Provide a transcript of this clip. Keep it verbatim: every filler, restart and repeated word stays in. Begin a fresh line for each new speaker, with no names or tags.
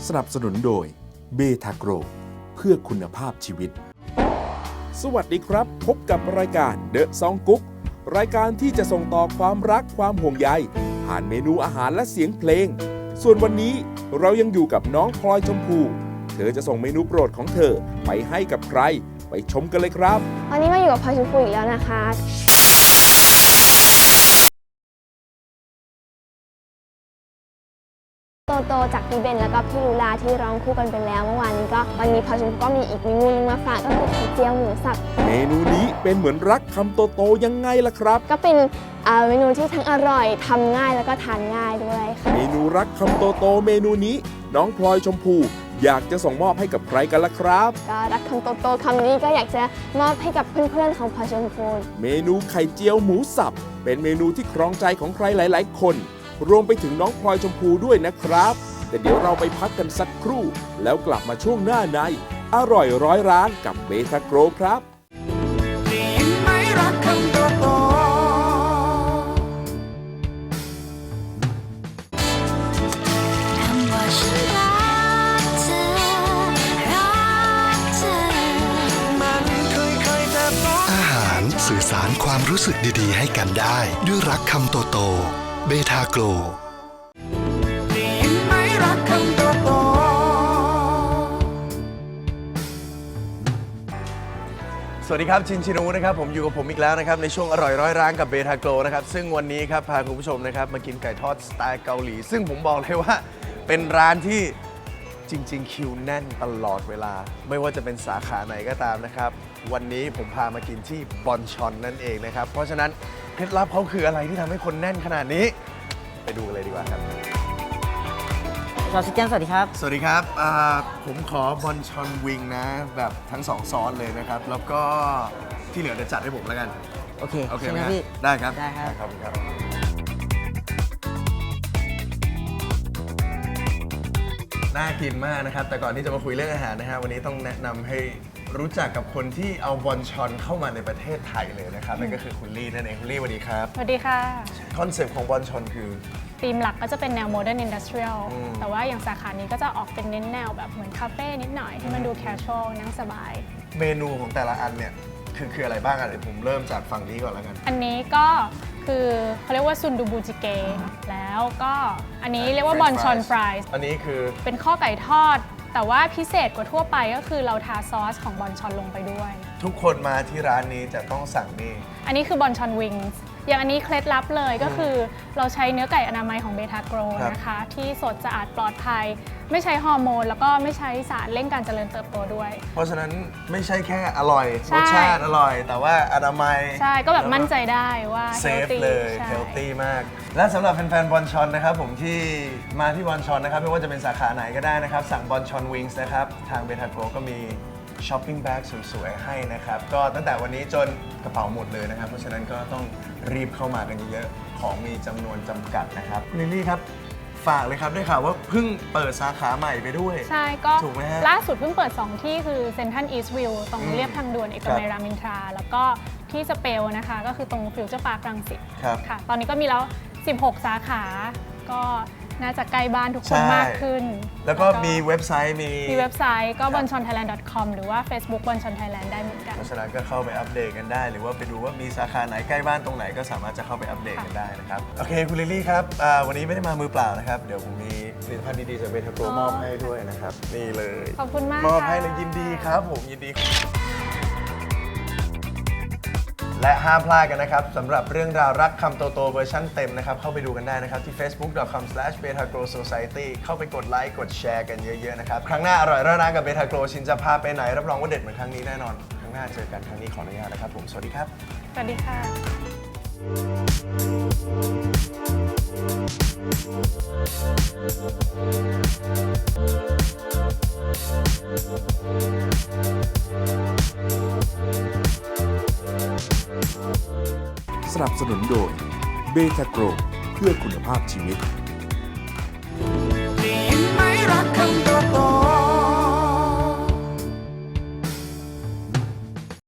สนับสนุนโดยเบทาโกรเพื่อคุณภาพชีวิตสวัสดีครับพบกับรายการเดอะซองกุ๊กรายการที่จะส่งต่อความรักความห่วงใยผ่านเมนูอาหารและเสียงเพลงส่วนวันนี้เรายังอยู่กับน้องพลอยชมพูเธอจะส่งเมนูโปรดของเธอไปให้กับใครไปชมกันเลยครับ
วันนี้มาอยู่กับพลอยชมพูอีกแล้วนะคะโตโตจากพี่เบนแล้วก็พี่ลูลาที่ร้องคู่กันไปแล้วเมื่อวานนี้ก็วันนี้พลอยชมพูก็มีอีกเมนูนึงมาฝากก็คือไข่เจียวหมูสับ
เมนูนี้เป็นเหมือนรักคำโตโตยังไงล่ะครับ
ก็เป็นเมนูที่ทั้งอร่อยทำง่ายแล้วก็ทานง่ายด้วยค่ะ
เมนูรักคำโตโตเมนูนี้น้องพลอยชมพูอยากจะส่งมอบให้กับใครกันล่ะครับ
ก็รักคำโตโตคำนี้ก็อยากจะมอบให้กับเพื่อนๆของพลอยชมพู
เมนูไข่เจียวหมูสับเป็นเมนูที่ครองใจของใครหลายๆคนรวมไปถึงน้องพลอยชมพูด้วยนะครับแต่เดี๋ยวเราไปพักกันสักครู่แล้วกลับมาช่วงหน้าในอร่อยร้อยร้านกับเบทาโกรครับ
สื่อสารความรู้สึกดีๆให้กันได้ด้วยรักคำโตโตเบทาโกร
สวัสดีครับชินชินูนะครับผมอยู่กับผมอีกแล้วนะครับในช่วงอร่อยร้อยร้านกับเบทาโกรนะครับซึ่งวันนี้ครับพาคุณผู้ชมนะครับมากินไก่ทอดสไตล์เกาหลีซึ่งผมบอกเลยว่าเป็นร้านที่จริงๆคิวแน่นตลอดเวลาไม่ว่าจะเป็นสาขาไหนก็ตามนะครับวันนี้ผมพามากินที่บอนชอนนั่นเองนะครับเพราะฉะนั้นเคล็ดลับเขาคืออะไรที่ทำให้คนแน่นขนาดนี้ไปดูกันเลยดีกว่าครับ
สวัสดีครับสวัสดีครับ
สวัสดีครับผมขอบอนชอนวิงนะแบบทั้งสองซอสเลยนะครับแล้วก็ที่เหลือจะจัดให้ผมแล้วกัน
โอเค
โอเค
ไหม
พี่ได้ครับ
ได้ครับ
ครับครับน่ากินมากนะครับแต่ก่อนที่จะมาคุยเรื่องอาหารนะฮะวันนี้ต้องแนะนำให้รู้จักกับคนที่เอาบอนชอนเข้ามาในประเทศไทยเลยนะครับนั่นก็คือคุณลี่นั่นเองคุณลี่สวัสดีครับ
สวัสดีค่ะ
คอนเซปต์ของบอนชอนคือ
ธีมหลักก็จะเป็นแนวโมเดิร์นอินดัสเทรียลแต่ว่าอย่างสาขานี้ก็จะออกเป็นเน้นแนวแบบเหมือนคาเฟ่นิดหน่อยที่มันดูแคชชวลนั่งสบาย
เมนูของแต่ละอันเนี่ยคือคืออะไรบ้างอ่ะเดี๋ยวผมเริ่มจากฝั่งนี้ก่อนแล้วกัน
อันนี้ก็คือเขาเรียกว่าซุนดูบูจิเกแล้วก็อันนี้เรียกว่าบอนชอนฟราย
อันนี้คือ
เป็นข้อไก่ทอดแต่ว่าพิเศษกว่าทั่วไปก็คือเราทาซอสของบอนชอนลงไปด้วย
ทุกคนมาที่ร้านนี้จะต้องสั่งนี่
อันนี้คือบอนชอนวิงส์อย่างอันนี้เคล็ดลับเลยก็คือเราใช้เนื้อไก่อนามัยของเบทาโกรนะคะที่สดสะอาดปลอดภัยไม่ใช้ฮอร์โมนแล้วก็ไม่ใช้สารเร่งการเจริญเติบโตด้วย
เพราะฉะนั้นไม่ใช่แค่อร่อยรสชาติอร่อยแต่ว่าอนามัย
ใช่ก็แบบมั่นใจได้ว่า
เซฟเลยเฮลตี้มากและสำหรับแฟนๆบอนชอนนะครับผมที่มาที่บอนชอนนะครับไม่ว่าจะเป็นสาขาไหนก็ได้นะครับสั่งบอนชอนวิงส์นะครับทางเบทาโกรก็มีช้อปปิ้งแบ็กสวยๆให้นะครับก็ตั้งแต่วันนี้จนกระเป๋าหมดเลยนะครับเพราะฉะนั้นก็ต้องรีบเข้ามากันเยอะๆของมีจำนวนจำกัดนะครับลิลลี่ครับฝากเลยครับได้ข่าวว่าเพิ่งเปิดสาขาใหม่ไปด้วย
ใช่ก็
ถูกไหมฮะ
ล่าสุดเพิ่งเปิดสองที่คือเซ็นทรัลอีสต์วิวตรงเรียบทางด่วนเอกมัยรามอินทราแล้วก็ที่สเปลนะคะก็คือตรงฟิวเจอร์พาร์ครังสิตค่ะตอนนี้ก็มีแล้วสิบหกสาขาก็น่าจะใกล้บ้านทุกคนมากขึ้น
แล้วก็มีเว็บไซต์มี
มีเว็บไซต์ก็ บอนชอนไทยแลนด์ ดอท คอม หรือว่า Facebook บอนชอนไทยแลนด์ ได้เหมือนกัน
เพราะฉะนั้นก็เข้าไปอัปเดตกันได้หรือว่าไปดูว่ามีสาขาไหนใกล้บ้านตรงไหนก็สามารถจะเข้าไปอัปเดตกันได้นะครับโอเคคุณลิลลี่ครับวันนี้ไม่ได้มามือเปล่านะครับเดี๋ยวผมมีผลิตภัณฑ์ดีๆจากเบทาโกรมอบให้ด้วยนะครับนี่เลย
ขอบคุณมาก
มอบให้เลยยินดีครับผมยินดีและห้ามพลาดกันนะครับสำหรับเรื่องราวรักคำโตโตเวอร์ชันเต็มนะครับเข้าไปดูกันได้นะครับที่ เฟซบุ๊ก ดอท คอม สแลช เบทาโกร โซไซตี้ เข้าไปกดไลค์กดแชร์กันเยอะๆนะครับครั้งหน้าอร่อยร้านกับเบทาโกรชินจะพาไปไหนรับรองว่าเด็ดเหมือนครั้งนี้แน่นอนครั้งหน้าเจอกันครั้งนี้ขออนุญาตนะครับผมสวัสดีครับ
สวัสดี
ค่ะสนับสนุนโดยเบทาโกรเพื่อคุณภาพชีวิต